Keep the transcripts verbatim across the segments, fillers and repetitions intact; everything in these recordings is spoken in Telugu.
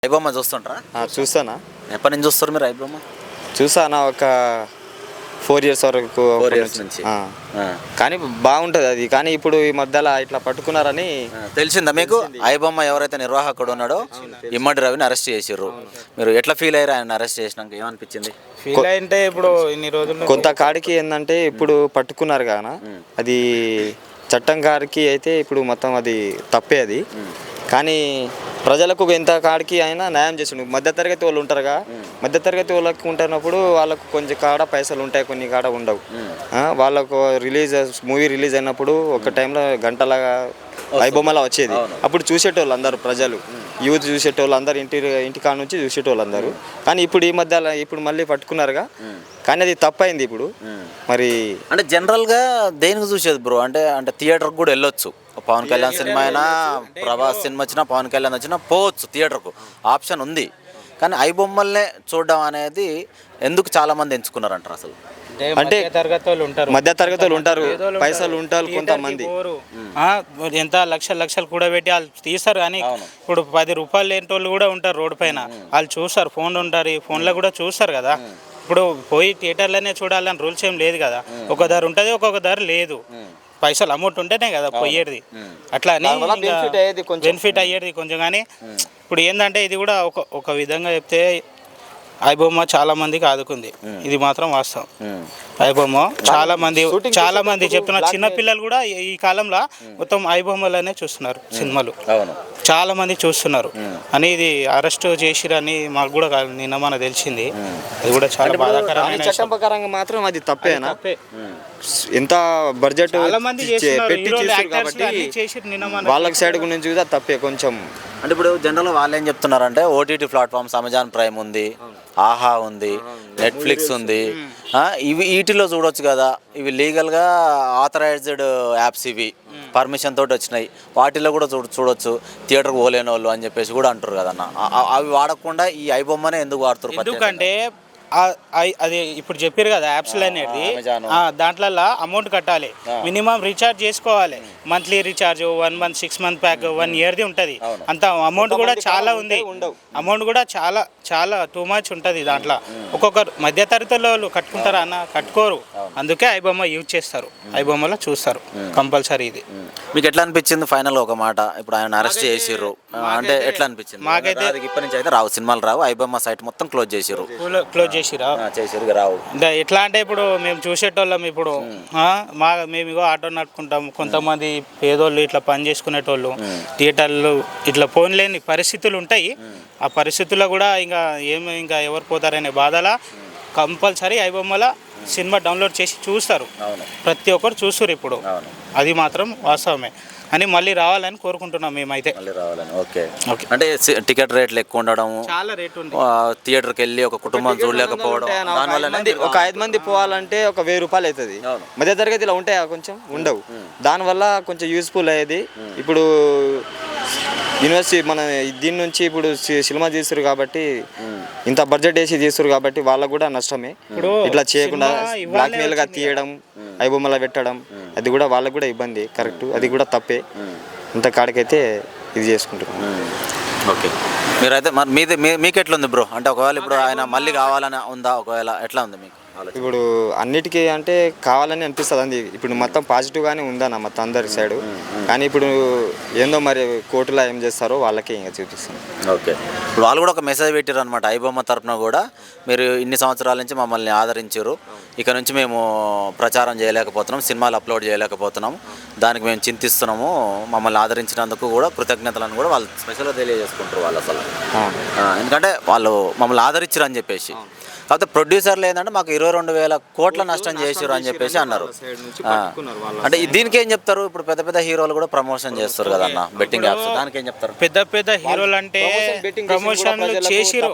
ఐబొమ్మ చూస్తుంటారా? చూస్తానా. ఎప్పటి నుంచి చూస్తారు మీరు ఐబొమ్మ? చూసానా ఒక ఫోర్ ఇయర్స్ వరకు. ఫోర్ ఇయర్స్ నుంచి. కానీ బాగుంటుంది అది. కానీ ఇప్పుడు ఈ మధ్యలో ఇట్లా పట్టుకున్నారని తెలిసిందా మీకు? ఐబొమ్మ ఎవరైతే నిర్వాహకుడు ఉన్నాడో ఇమ్మడి రవిని అరెస్ట్ చేసిర్రు. మీరు ఎట్లా ఫీల్ అయ్యారు ఆయన అరెస్ట్ చేసినాక? ఏమనిపించింది? ఫీల్ అంటే ఇప్పుడు ఇన్ని రోజులు కొంత కాడికి ఏంటంటే ఇప్పుడు పట్టుకున్నారు కానా, అది చట్టం గారికి అయితే ఇప్పుడు మొత్తం అది తప్పే అది. కానీ ప్రజలకు ఎంత కాడికి అయినా న్యాయం చేసిండు. మధ్యతరగతి వాళ్ళు ఉంటారుగా, మధ్యతరగతి వాళ్ళకు ఉంటున్నప్పుడు వాళ్ళకు కొంచెం కాడ పైసలు ఉంటాయి, కొన్ని కాడ ఉండవు. వాళ్ళకు రిలీజ్ మూవీ రిలీజ్ అయినప్పుడు ఒక టైంలో గంటలాగా ఐబొమ్మలా వచ్చేది. అప్పుడు చూసేటోళ్ళు అందరూ, ప్రజలు యూత్ చూసేటోళ్ళు అందరు, ఇంటి ఇంటికాడ నుంచి చూసేటోళ్ళు అందరూ. కానీ ఇప్పుడు ఈ మధ్య ఇప్పుడు మళ్ళీ పట్టుకున్నారుగా, కానీ అది తప్పైంది ఇప్పుడు. మరి అంటే జనరల్గా దేనికి చూసేది బ్రో అంటే అంటే థియేటర్కి కూడా వెళ్ళొచ్చు. పవన్ కళ్యాణ్ సినిమా అయినా, ప్రభాస్ సినిమా వచ్చినా, పవన్ కళ్యాణ్ వచ్చినా పోవచ్చు థియేటర్కు, ఆప్షన్ ఉంది. కానీ ఐబొమ్మల్నే చూడడం అనేది ఎందుకు చాలా మంది ఎంచుకున్నారంటారు అసలు? అంటే తరగతి వాళ్ళు ఉంటారు, మధ్య తరగతి వాళ్ళు ఉంటారు, పైసలు ఉంటారు కొంతమంది. ఎంత లక్షలు లక్షలు కూడా పెట్టి వాళ్ళు తీస్తారు. కానీ ఇప్పుడు పది రూపాయలు లేని వాళ్ళు కూడా ఉంటారు రోడ్డు పైన. వాళ్ళు చూస్తారు, ఫోన్ ఉంటారు, ఈ ఫోన్లో కూడా చూస్తారు కదా. ఇప్పుడు పోయి థియేటర్లోనే చూడాలని రూల్స్ ఏం లేదు కదా. ఒక ధర ఉంటుంది, ఒక్కొక్క ధర లేదు. పైసలు అమౌంట్ ఉంటేనే కదా పోయేది. అట్లా అని బెనిఫిట్ అయ్యేది కొంచెం. కానీ ఇప్పుడు ఏంటంటే ఇది కూడా ఒక ఒక విధంగా చెప్తే ఐబొమ్మ చాలా మందికి ఆదుకుంది, ఇది మాత్రం వాస్తవం. ఐబొమ్మ చాలా మంది చాలా మంది చెప్తున్న చిన్న పిల్లలు కూడా ఈ కాలంలో మొత్తం ఐబొమ్మలనే చూస్తున్నారు సినిమాలు, చాలా మంది చూస్తున్నారు. అని ఇది అరెస్ట్ చేసిరని మాకు కూడా నిన్న మన తెలిసింది. అది కూడా చాలా బాధాకరమైన. చట్టం ప్రకారంగా మాత్రం అది తప్పేనా? ఎంత బడ్జెట్ పెట్టి చేశారు కాబట్టి వాళ్ళకి సైడ్ గురించి కూడా తప్పే కొంచెం. అంటే ఇప్పుడు జనరల్గా వాళ్ళు ఏం చెప్తున్నారంటే ఓటీటీ ప్లాట్ఫామ్స్ అమెజాన్ ప్రైమ్ ఉంది, ఆహా ఉంది, నెట్ఫ్లిక్స్ ఉంది, ఇవి వీటిలో చూడొచ్చు కదా, ఇవి లీగల్గా ఆథరైజ్డ్ యాప్స్, ఇవి పర్మిషన్ తోటి వచ్చినాయి, వాటిలో కూడా చూడ చూడొచ్చు థియేటర్కి పోలేని వాళ్ళు అని చెప్పేసి కూడా అంటారు కదన్న. అవి వాడకుండా ఈ ఐబొమ్మనే ఎందుకు వాడుతారు? ఎందుకంటే అది ఇప్పుడు చెప్పారు కదా యాప్స్లో అనేది, దాంట్లో అమౌంట్ కట్టాలి, మినిమం రీఛార్జ్ చేసుకోవాలి. Monthly recharge, one month six month pack, one ఇయర్ది ఉంటుంది. అంత అమౌంట్ కూడా చాలా ఉంది, అమౌంట్ కూడా చాలా చాలా టూ మచ్ ఉంటుంది దాంట్లో. ఒక్కొక్కరు మధ్యతరగతి వాళ్ళు కట్టుకుంటారా అన్న? కట్టుకోరు. అందుకే ఐబొమ్మ యూజ్ చేస్తారు, ఐబొమ్మలో చూస్తారు కంపల్సరీ. ఇది మీకు ఎట్లా అనిపించింది ఫైనల్ ఒక మాట? ఇప్పుడు ఆయన అరెస్ట్ చేసిర్రు అంటే ఎట్లా అనిపించింది? మాకైతే ఇప్పటి నుంచి అయితే రావు సినిమాలు రావు, ఐబొమ్మ సైట్ మొత్తం క్లోజ్ చేసిర్రు క్లోజ్ చేసిరా చేసిర్రు రావు. ఎట్లా అంటే ఇప్పుడు మేము చూసేటోళ్ళం, ఇప్పుడు మా మేము ఇగో ఆటో నడుపుకుంటాం, కొంతమంది పేదోళ్ళు ఇట్లా పని చేసుకునేటోళ్ళు థియేటర్లు ఇట్లా ఫోన్ లేని పరిస్థితులు ఉంటాయి. ఆ పరిస్థితుల్లో కూడా ఇంకా ఏమి ఇంకా ఎవరు పోతారనే బాధలా కంపల్సరీ ఐబొమ్మల సినిమా డౌన్లోడ్ చేసి చూస్తారు, ప్రతి ఒక్కరు చూస్తారు ఇప్పుడు. అది మాత్రం వాస్తవమే అని మళ్ళీ రావాలని కోరుకుంటున్నాం మేమైతే. Okay okay. అంటే టికెట్ రేట్లు ఎక్కువ ఉండడం, చాలా రేట్ ఉంది, థియేటర్కి వెళ్ళి ఒక కుటుంబం చూడలేకపోవడం, దానివల్ల ఒక ఐదు మంది పోవాలంటే ఒక వెయ్యి రూపాయలు అవుతుంది. మధ్య తరగతిలో ఉంటాయా? కొంచెం ఉండవు. దానివల్ల కొంచెం యూస్ఫుల్ అయ్యేది. ఇప్పుడు యూనివర్సిటీ మన దీని నుంచి ఇప్పుడు సినిమా తీస్తారు కాబట్టి, ఇంత బడ్జెట్ వేసి తీస్తారు కాబట్టి వాళ్ళకు కూడా నష్టమే. ఇట్లా చేయకుండా బ్లాక్ మెయిల్ గా తీయడం, ఐబొమ్మలా పెట్టడం, అది కూడా వాళ్ళకు కూడా ఇబ్బంది. కరెక్ట్, అది కూడా తప్పే. ఇంత కాడికైతే ఇది చేసుకుంటున్నాం. ఓకే. మీరైతే మరి మీది మీకు ఎట్లా ఉంది బ్రో? అంటే ఒకవేళ ఇప్పుడు ఆయన మళ్ళీ కావాలని ఉందా? ఒకవేళ ఎట్లా ఉంది మీకు? ఇప్పుడు అన్నిటికీ అంటే కావాలని అనిపిస్తుంది అంది. ఇప్పుడు మొత్తం పాజిటివ్గానే ఉందన్న మొత్తం అందరి సైడు. కానీ ఇప్పుడు ఏందో మరి కోర్టులో ఏం చేస్తారో వాళ్ళకే ఇంకా చూపిస్తుంది. ఓకే. ఇప్పుడు వాళ్ళు కూడా ఒక మెసేజ్ పెట్టారు అనమాట ఐబొమ్మ తరఫున కూడా, మీరు ఇన్ని సంవత్సరాల నుంచి మమ్మల్ని ఆదరించారు, ఇక నుంచి మేము ప్రచారం చేయలేకపోతున్నాం, సినిమాలు అప్లోడ్ చేయలేకపోతున్నాం, దానికి మేము చింతిస్తున్నాము, మమ్మల్ని ఆదరించినందుకు కూడా కృతజ్ఞతలను కూడా వాళ్ళు స్పెషల్గా తెలియజేసుకుంటారు వాళ్ళు అసలు. ఎందుకంటే వాళ్ళు మమ్మల్ని ఆదరించారు అని చెప్పేసి. కాకపోతే ప్రొడ్యూసర్లు ఏంటంటే మాకు ఇరవై రెండు వేల కోట్ల నష్టం చేసారు అని చెప్పేసి అన్నారు. అంటే దీనికి ఏం చెప్తారు? ఇప్పుడు పెద్ద పెద్ద హీరోలు కూడా ప్రమోషన్ చేస్తారు కదన్న బెట్టింగ్ యాప్స్, దానికి ఏం చెప్తారు? పెద్ద పెద్ద హీరోలు అంటే ప్రమోషన్ చేసిరు,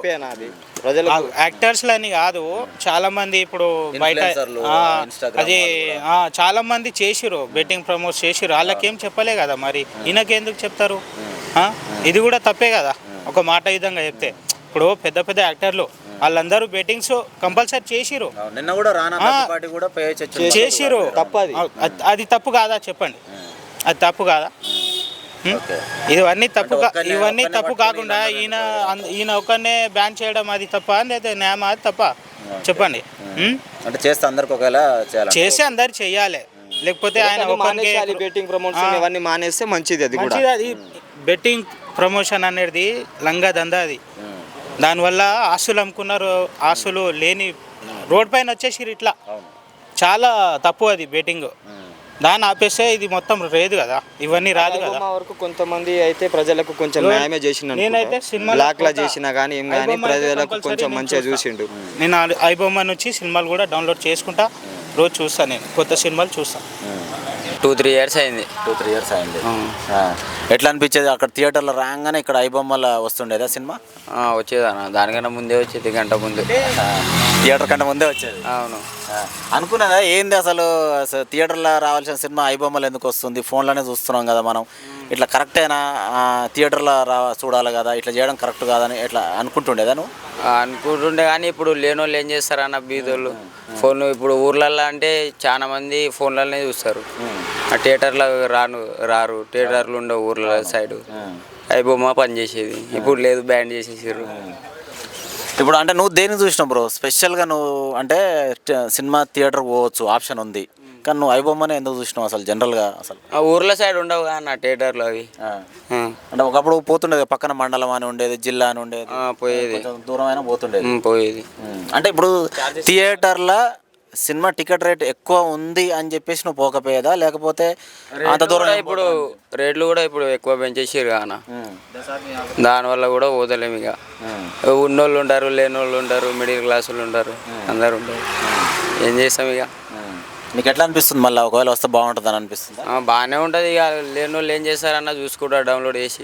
యాక్టర్స్ అని కాదు, చాలా మంది ఇప్పుడు బయట అది చాలా మంది చేసిరు, బెట్టింగ్ ప్రమోట్ చేసిరు, వాళ్ళకేం చెప్పలే కదా. మరి ఈయనకెందుకు చెప్తారు? ఇది కూడా తప్పే కదా ఒక మాట విధంగా చెప్తే. ఇప్పుడు పెద్ద పెద్ద యాక్టర్లు వాళ్ళందరూ బెట్టింగ్స్ కంపల్సరీ చేసిరు, నిన్న కూడా రానా కూడా చేసిరు. అది తప్పు కాదా చెప్పండి? అది తప్పు కాదా? ఓకే. ఇవన్నీ తప్పు కా- ఒక్కనే- ఇవన్నీ ఒక్కనే తప్పు పట్టుకొని కాకుండా ఈయన అంద- ఈయన ఒక్కనే బ్యాన్ చేయడం అది తప్ప లేదా న్యాయం అది తప్ప చెప్పండి. ఉం? అంటే చేస్తే అందరికి ఒకవేళ చేయాలి. చేసి అందరు చెయ్యాలి, లేకపోతే ఆయన ఒక్కనికే బెట్టింగ్ ప్రమోషన్ ఇవన్నీ మానేస్తే మంచిది. అది కూడా మంచిది. అది బెట్టింగ్ ప్రమోషన్ అనేది లంగా దందా అది. దానివల్ల ఆస్తులు అమ్ముకున్నారు, ఆస్తులు లేని రోడ్ పైన వచ్చేసి ఇట్లా చాలా తప్పు అది బెట్టింగ్. దాన్ని ఆపేస్తే ఇది మొత్తం లేదు కదా, ఇవన్నీ రాదు కదా. ఐబొమ్మ వరకు కొంతమంది అయితే ప్రజలకు కొంచెం న్యాయమే చేసిండు. నేనైతే సినిమాలో బ్లాక్ లా పోతా. చేసినా కానీ ఏం కానీ ఐబొమ్మ అయితే ప్రజలకు compulsory కొంచెం నేను మంచిగా చూస్తా. చూసిండు. నేను ఆ ఐబొమ్మ నుంచి సినిమాలు కూడా డౌన్లోడ్ చేసుకుంటా, రోజు చూస్తాను, నేను కొత్త సినిమాలు చూస్తాను. టూ త్రీ ఇయర్స్ అయింది. టూ త్రీ ఇయర్స్ అయింది. ఆ. ఎట్లా అనిపించేది అక్కడ థియేటర్లో రాగానే ఇక్కడ ఐబొమ్మల వస్తుండేదా సినిమా? ఆ, వచ్చేదన్న దానికన్నా ముందే వచ్చేది, గంట ముందు. థియేటర్ కంటే ముందే వచ్చేది. అవును. ఆ. అనుకున్నదా ఏంది అసలు అసలు థియేటర్లో రావాల్సిన సినిమా ఐబొమ్మలు ఎందుకు వస్తుంది, ఫోన్లోనే చూస్తున్నాం కదా మనం, ఇట్లా కరెక్టేనా, ఆ, థియేటర్లో రా చూడాలి కదా, ఇట్లా చేయడం కరెక్ట్ కాదని ఇట్లా అనుకుంటుండేదా నువ్వు? ఆ, అనుకుంటుండే కానీ ఇప్పుడు లేని వాళ్ళు ఏం చేస్తారన్న బీదోళ్ళు ఫోన్. ఇప్పుడు ఊర్లల్లో అంటే చాలా మంది ఫోన్లలోనే చూస్తారు, ఆ థియేటర్లో రాను రారు. థియేటర్లు ఉండవు ఊర్ల సైడు. ఐబొమ్మ పనిచేసేది, ఇప్పుడు లేదు, బ్యాన్ చేసేసారు. ఇప్పుడు అంటే నువ్వు దేన్ని చూసినావు బ్రో స్పెషల్గా? నువ్వు అంటే ట- సినిమా థియేటర్ పోవచ్చు ఆప్షన్ ఉంది, కానీ నువ్వు ఐబొమ్మనే ఎందుకు చూసినావు అసలు జనరల్గా అసలు? ఆ ఊర్ల సైడ్ ఉండవు అన్న థియేటర్లు అవి. ఆ. ఆ, అంటే ఒకప్పుడు పోతుండేది, పక్కన మండలం అని ఉండేది, జిల్లా అని ఉండేది, ఆ, పోయేది. కొంచెం దూరం అయినా పోతుండేది. ఉమ్, పోయేది. ఉమ్. అంటే ఇప్పుడు థియేటర్లో సినిమా టికెట్ రేట్ ఎక్కువ ఉంది అని చెప్పేసి నువ్వు పోకపోయేదా, లేకపోతే అంత రేట్లు దూరం కూడా ఇప్పుడు రేట్లు కూడా ఇప్పుడు ఎక్కువ పెంచేసారు కాన, దానివల్ల కూడా పోతలేము. ఇక ఉన్నోళ్ళు ఉంటారు, లేని వాళ్ళు ఉంటారు, మిడిల్ క్లాస్ వాళ్ళు ఉంటారు, అందరు ఉంటారు. ఏం చేస్తాం ఇక? నీకు ఎట్లా అనిపిస్తుంది మళ్ళీ ఒకవేళ వస్తే బాగుంటుంది అని అనిపిస్తుంది? ఆ, బాగానే ఉంటుంది. ఇక లేని వాళ్ళు ఏం చేస్తారన్న చూసుకుంటారు డౌన్లోడ్ చేసి.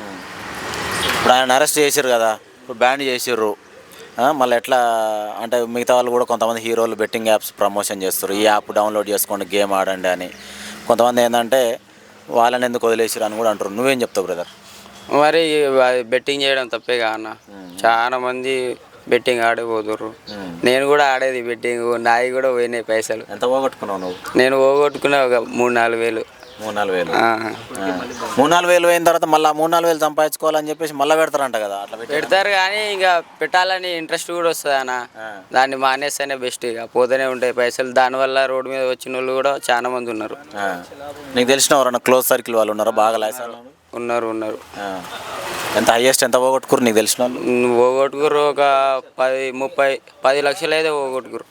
ఇప్పుడు ఆయన అరెస్ట్ చేసారు కదా, ఇప్పుడు బ్యాన్ చేసిర్రు, మళ్ళీ ఎట్లా అంటే మిగతా వాళ్ళు కూడా కొంతమంది హీరోలు బెట్టింగ్ యాప్స్ ప్రమోషన్ చేస్తారు, ఈ యాప్ డౌన్లోడ్ చేసుకోండి గేమ్ ఆడండి అని. కొంతమంది ఏంటంటే వాళ్ళని ఎందుకు వదిలేసారు అని కూడా అంటారు. నువ్వేం చెప్తావు బ్రదర్? మరి బెట్టింగ్ చేయడం తప్పే కదా అన్న. చాలా మంది బెట్టింగ్ ఆడిపోతుర్రు. నేను కూడా ఆడేది బెట్టింగ్, నాయి కూడా పోయినాయి పైసలు. ఎంత పోగొట్టుకున్నావు నువ్వు? నేను పోగొట్టుకునే ఒక మూడు నాలుగు వేలు. మూడు నాలుగు వేలు ఆ. ఆ. మూడు నాలుగు వేలు అయిన తర్వాత మళ్ళీ మూడు నాలుగు వేలు సంపాదించుకోవాలని చెప్పేసి మళ్ళీ పెడతారంట కదా, అట్లా పెట్టి పెడతారు కానీ ఇంకా పెట్టాలని ఇంట్రెస్ట్ కూడా వస్తుంది అన్న. దాన్ని మానేస్తేనే బెస్ట్. ఇక పోతూనే ఉంటాయి పైసలు. దానివల్ల రోడ్డు మీద వచ్చిన వాళ్ళు కూడా చాలా మంది ఉన్నారు. ఆ. నీకు తెలిసిన ఎవరన్నా క్లోజ్ సర్కిల్ వాళ్ళు ఉన్నారా బాగా లాసాలు? ఉన్నారు ఉన్నారు ఎంత హైయెస్ట్ ఎంత పోగొట్టుకురు నీకు తెలిసిన వాళ్ళు? పోగొట్టుకురు ఒక పది ముప్పై పది లక్షలు అయితే పోగొట్టుకురు.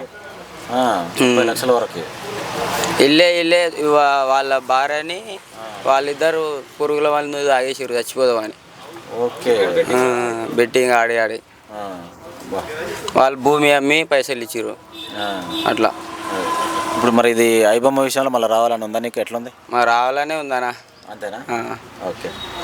ఆ, ముప్పై లక్షల వరకు. ఇల్లే ఇల్లే వా- వాళ్ళ భార్యని వాళ్ళిద్దరు పురుగుల మందు తాగేసారు చచ్చిపోదామని. ఓకే. బెట్టింగ్ ఆడి ఆడి ఆ. బా. వాళ్ళు భూమి అమ్మి పైసలు ఇచ్చిర్రు ఆ. అట్లా. ఇప్పుడు మరి ఇది ఐబొమ్మ విషయంలో మళ్ళీ రావాలని ఉందా నీకు? ఎట్లుంది? మరి రావాలనే ఉందనా. అంతేనా? ఆ. ఓకే.